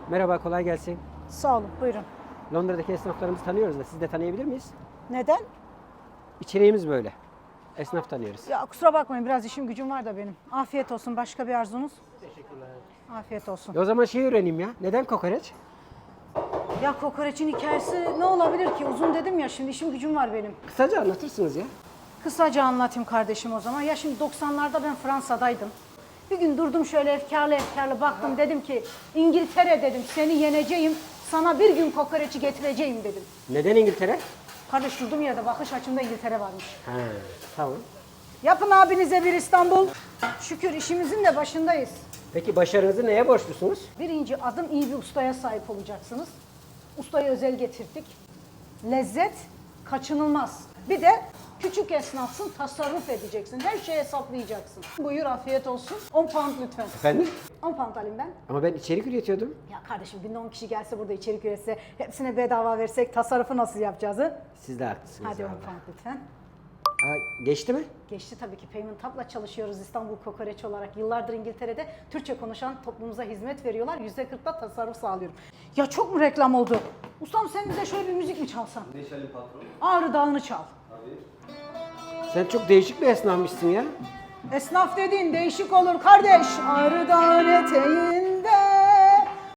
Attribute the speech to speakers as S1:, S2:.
S1: Merhaba, kolay gelsin.
S2: Sağ olun, buyurun.
S1: Londra'daki esnaflarımızı tanıyoruz da siz de tanıyabilir miyiz?
S2: Neden?
S1: İçeriğimiz böyle. Esnaf tanıyoruz.
S2: Ya kusura bakmayın, biraz işim gücüm var da benim. Afiyet olsun, başka bir arzunuz?
S1: Teşekkürler.
S2: Afiyet olsun.
S1: O zaman şey öğreneyim ya. Neden kokoreç?
S2: Ya kokoreçin hikayesi ne olabilir ki? Uzun dedim ya, şimdi işim gücüm var benim.
S1: Kısaca anlatırsınız ya.
S2: Kısaca anlatayım kardeşim o zaman. Ya şimdi 90'larda ben Fransa'daydım. Bir gün durdum şöyle efkarlı baktım, dedim ki İngiltere dedim, seni yeneceğim, sana bir gün kokoreçi getireceğim dedim.
S1: Neden İngiltere?
S2: Kardeş durdum yerde bakış açımda İngiltere varmış.
S1: Ha, tamam.
S2: Yapın abinize bir İstanbul. Şükür işimizin de başındayız.
S1: Peki başarınızı neye borçlusunuz?
S2: Birinci adım, iyi bir ustaya sahip olacaksınız. Ustayı özel getirdik. Lezzet kaçınılmaz. Bir de küçük esnafsın, tasarruf edeceksin. Her şeyi hesaplayacaksın. Buyur, afiyet olsun. 10 pound lütfen.
S1: Efendim?
S2: 10 pound alayım ben.
S1: Ama ben içerik üretiyordum.
S2: Ya kardeşim, günde 10 kişi gelse burada içerik üretse, hepsine bedava versek tasarrufu nasıl yapacağız? Hı?
S1: Siz de haklısınız.
S2: Hadi 10
S1: vallahi.
S2: pound lütfen.
S1: Geçti mi?
S2: Geçti tabii ki. Payment Hub'la çalışıyoruz İstanbul Kokoreç olarak. Yıllardır İngiltere'de Türkçe konuşan toplumumuza hizmet veriyorlar. %40'da tasarruf sağlıyorum. Ya çok mu reklam oldu? Ustam sen bize şöyle bir müzik mi çalsan?
S3: Ne çalayım patron?
S2: Ağrı Dağı'nı çal.
S3: Abi.
S1: Sen çok değişik bir esnafmışsın ya.
S2: Esnaf dediğin değişik olur kardeş. Ağrı Dağı'nın eteğinde